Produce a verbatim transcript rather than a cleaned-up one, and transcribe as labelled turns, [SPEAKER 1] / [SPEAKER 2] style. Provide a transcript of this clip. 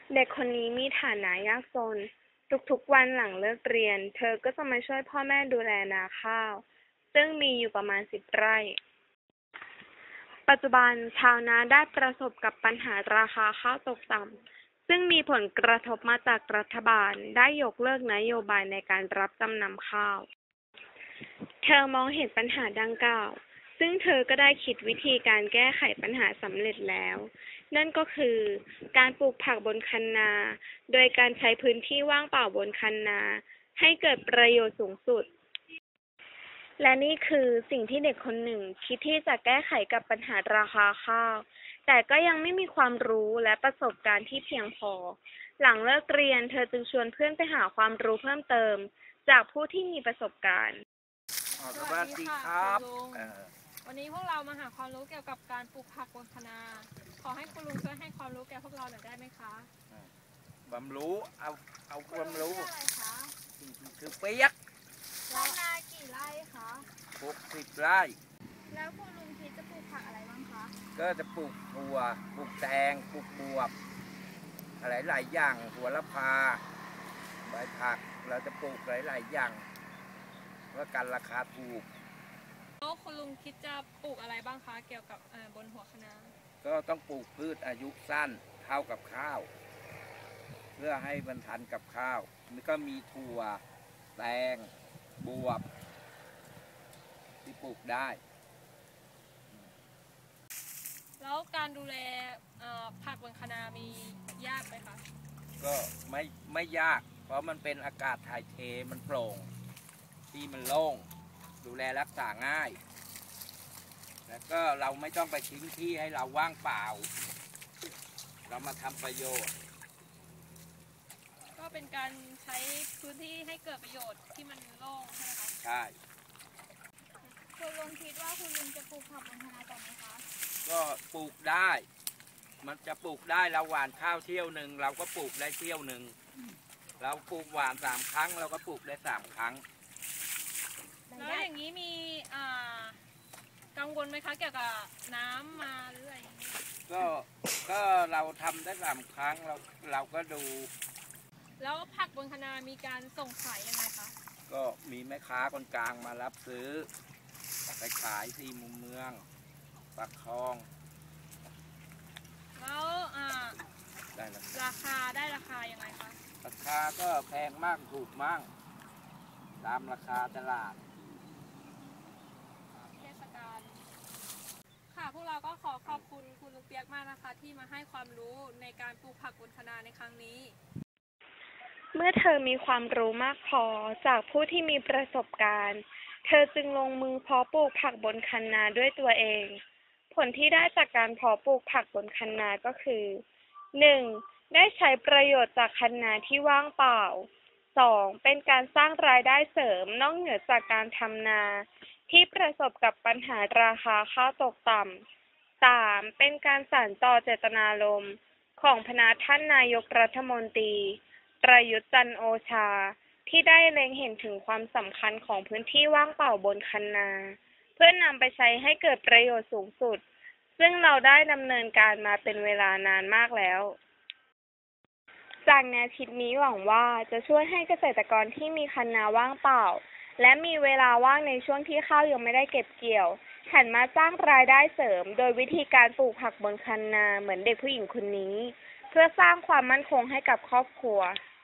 [SPEAKER 1] เด็กคนนี้มีฐานะยากจน ทุกๆวันหลังเลิกเรียนเธอก็จะมาช่วยพ่อแม่ดูแลนาข้าวซึ่งมีอยู่ประมาณสิบไร่ ปัจจุบันชาวนาได้ประสบกับปัญหาราคาข้าวตกต่ำซึ่งมีผลกระทบมาจากรัฐบาลได้ยกเลิกนโยบายในการรับจำนำข้าว เธอมองเห็นปัญหาดังกล่าวซึ่งเธอก็ได้คิดวิธีการแก้ไขปัญหาสำเร็จแล้ว นั่นก็คือการปลูกผักบนคันนา โดยการใช้พื้นที่ว่างเปล่าบนคันนาให้เกิดประโยชน์สูงสุด และนี่คือสิ่งที่เด็กคนหนึ่งคิดที่จะแก้ไขกับปัญหาราคาข้าว แต่ก็ยังไม่มีความรู้และประสบการณ์ที่เพียงพอ หลังเลิกเรียนเธอจึงชวนเพื่อนไปหาความรู้เพิ่มเติมจากผู้ที่มีประสบการณ์
[SPEAKER 2] สวัสดีค่ะคุณลุง
[SPEAKER 3] วันนี้พวกเรามาหาความรู้เกี่ยวกับการปลูกผักบนคะนาขอให้คุณลุงช่วยให้ความรู้แก่พวกเราหน่อยได้ไหมคะ
[SPEAKER 2] ความรู้เอาเอาความรู้
[SPEAKER 3] อะไรคะ
[SPEAKER 2] คือเปียก
[SPEAKER 3] คะนากี่ไร่คะ
[SPEAKER 2] หกสิบไร่
[SPEAKER 3] แล้วคุณลุงคิดจะปลูกผักอะไรบ้างคะ
[SPEAKER 2] ก็จะปลูกถั่วปลูกแตงปลูกบวบอะไรหลายอย่างหัวละพาใบผักเราจะปลูกหลายๆอย่างเพื่อกันราคาถูก
[SPEAKER 3] แล้วคุณลุงคิดจะปลูกอะไรบ้างคะเกี่ยวกับบนหัวคะนา
[SPEAKER 2] ก็ต้องปลูกพืชอายุสั้นเท่ากับข้าวเพื่อให้มันทันกับข้าวมันก็มีถั่วแตงบวบที่ปลูกได้
[SPEAKER 3] แล้วการดูแลผักบนคะนามียากไหมคะ
[SPEAKER 2] ก็ไม่ไม่ยากเพราะมันเป็นอากาศถ่ายเทมันโปร่งที่มันโล่งดูแลรักษาง่ายแล้วก็เราไม่ต้องไปทิ้งที่ให้เราว่างเปล่าเรามาทำประโยชน์
[SPEAKER 3] ก็เป็นการใช้พื้นที่ให้เกิดประโยชน์ที่มันโล่งใช่ไหมคะ
[SPEAKER 2] ใช่
[SPEAKER 3] คุณลุงคิดว่าคุณลุงจะปลูกผักบนคะนาต่อไหมคะ
[SPEAKER 2] ก็ปลูกได้มันจะปลูกได้เราหว่านข้าวเที่ยวหนึ่งเราก็ปลูกได้เที่ยวหนึ่งเราปลูกหว่านสามครั้งเราก็ปลูกได้สามครั้ง
[SPEAKER 3] แล้วอย่างนี้มีกังวลไหมคะเกี่ยวกับน้ำมาหรืออะไร
[SPEAKER 2] ก็ก็เราทำได้สามครั้งเราเราก็ดู
[SPEAKER 3] แล้วผักบนคะนามีการส่งขายยังไงคะ
[SPEAKER 2] ก็มีแม่ค้าคนกลางมารับซื้อไปขายที่มุมเมืองปากคลอง
[SPEAKER 3] แล้ว
[SPEAKER 2] ได้
[SPEAKER 3] ราคาได้ราคายังไงคะ
[SPEAKER 2] ราคาก็แพงมากถูกมากตามราคาตลาด
[SPEAKER 3] เทศกาลค่ะพวกเราก็ขอขอบคุณคุณลุงเปียกมากนะคะที่มาให้ความรู้ในการปลูกผักบนคะนาในครั้งนี้
[SPEAKER 1] เมื่อเธอมีความรู้มากพอจากผู้ที่มีประสบการณ์เธอจึงลงมือเพาะปลูกผักบนคันนาด้วยตัวเองผลที่ได้จากการเพาะปลูกผักบนคันนาก็คือ หนึ่ง ได้ใช้ประโยชน์จากคันนาที่ว่างเปล่า สอง เป็นการสร้างรายได้เสริมนอกเหนือจากการทำนาที่ประสบกับปัญหาราคาข้าวตกต่ำ สาม เป็นการสานต่อเจตนารมณ์ของพระท่านนายกรัฐมนตรีประยุทธ์จันทร์โอชาที่ได้เล็งเห็นถึงความสำคัญของพื้นที่ว่างเปล่าบนคันนาเพื่อนำไปใช้ให้เกิดประโยชน์สูงสุดซึ่งเราได้ดำเนินการมาเป็นเวลานานมากแล้วจากแนวคิดนี้หวังว่าจะช่วยให้เกษตรกรที่มีคันนาว่างเปล่าและมีเวลาว่างในช่วงที่ข้าวยังไม่ได้เก็บเกี่ยวหันมาสร้างรายได้เสริมโดยวิธีการปลูกผักบนคันนาเหมือนเด็กผู้หญิงคนนี้เพื่อสร้างความมั่นคงให้กับครอบครัว